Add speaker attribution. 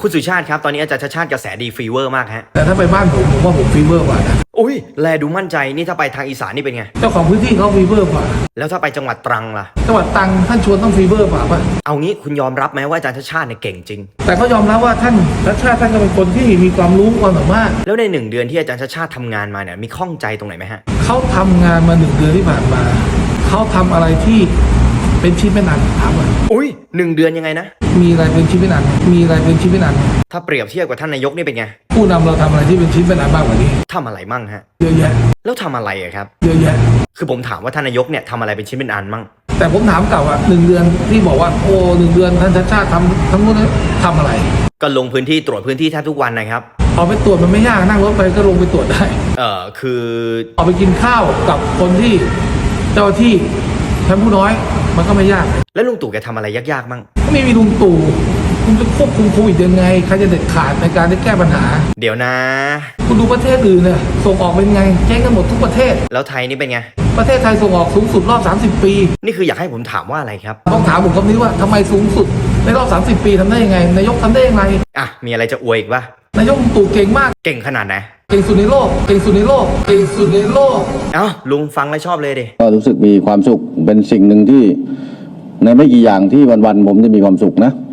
Speaker 1: คุณสุชาติครับตอนนี้อาจารย์ชาติชาติกระแสดีฟีเวอร์มากฮะ
Speaker 2: แต่ถ้าไปบ้านผมว่าผมฟีเวอร์กว่านะ
Speaker 1: อุ้ยแลดูมั่นใจนี่ถ้าไปทางอีสานนี่เป็นไง
Speaker 2: เจ้าของพื้นที่เขาฟีเวอร์กว่า
Speaker 1: แล้วถ้าไปจังหวัดตรังล่ะ
Speaker 2: จังหวัดตรังท่านชวนต้องฟีเวอร์กว่าป่ะ
Speaker 1: เอางี้คุณยอมรับไหมว่าอาจารย์ชาติชาติเนี่ยเก่งจริง
Speaker 2: แต่เขายอมรับว่าท่านรัชชาติท่านก็เป็นคนที่มีความรู้ความสามารถ
Speaker 1: แล้วใน1 เดือนที่อาจารย์ชาติชาติทำงานมาเนี่ยมีข้องใจตรงไหนไหมฮะ
Speaker 2: เขาทำงานมา1 เดือนที่ผ่านมาเขาทำอะไรที่เป็นชิ้นเป็นอันถามว่า
Speaker 1: อุ้ย1 เดือนยังไงนะ
Speaker 2: มีอะไรเป็นชิ้นเป็นอันมีอะไรเป็นชิ้นเป็นอัน
Speaker 1: ถ้าเปรียบเทียบกับท่านนายกนี่เป็นไง
Speaker 2: ผู้นำเราทำอะไรที่เป็นชิ้นเป็นอันมากกว่านี้
Speaker 1: ทำอะไรมั่งฮะ
Speaker 2: เยอะแยะ
Speaker 1: แล้วทำอะไรอะครับ
Speaker 2: เยอะแยะ
Speaker 1: คือผมถามว่าท่านนายกเนี่ยทำอะไรเป็นชิ้นเป็นอันมั่ง
Speaker 2: แต่ผมถามกลับว่า1 เดือนที่บอกว่าโอ้1 เดือนท่านชาติชาติทำทั้งหมดทำอะไร
Speaker 1: ก็ลงพื้นที่ตรวจพื้นที่แทบทุกวันนะครับ
Speaker 2: ออกไปตรวจมันไม่ยากนั่งรถไปก็ลงไปตรวจได้
Speaker 1: คือ
Speaker 2: ออกไปกินข้าวกับคนที่เจ้าที่ชั้นผู้น้อยมันก็ไม่ยาก
Speaker 1: แล้วลุงตู่แกทำอะไรยากๆมั่ง
Speaker 2: ไม่มีลุงตู่คุณจะควบคุมโควิดยังไงใครจะเด็ดขาดในการได้แก้ปัญหา
Speaker 1: เดี๋ยวนะ
Speaker 2: คุณดูประเทศอื่นเนี่ยส่งออกเป็นไงเจ๊งกันหมดทุกประเทศ
Speaker 1: แล้วไทยนี่เป็นไง
Speaker 2: ประเทศไทยส่งออกสูงสุดรอบ30 ปี
Speaker 1: นี่คืออยากให้ผมถามว่าอะไรครับ
Speaker 2: ต้องถามผมคำนี้ว่าทำไมสูงสุดในรอบ30 ปีทำได้ยังไงนายกทำได้ยังไง
Speaker 1: มีอะไรจะอวยอีกปะ
Speaker 2: นายกลุงตู่เก่งมาก
Speaker 1: เก่งขนาดไหน
Speaker 2: เก่งสุดในโลกเก่งสุดในโลกเก่งสุดในโลก
Speaker 1: ลุงฟังแล้วชอบเลยดิ
Speaker 3: ก็รู้สึกมีความสุขเป็นสิ่งหนึ่งที่ในไม่กี่อย่างที่วันๆผมจะมีความสุขนะ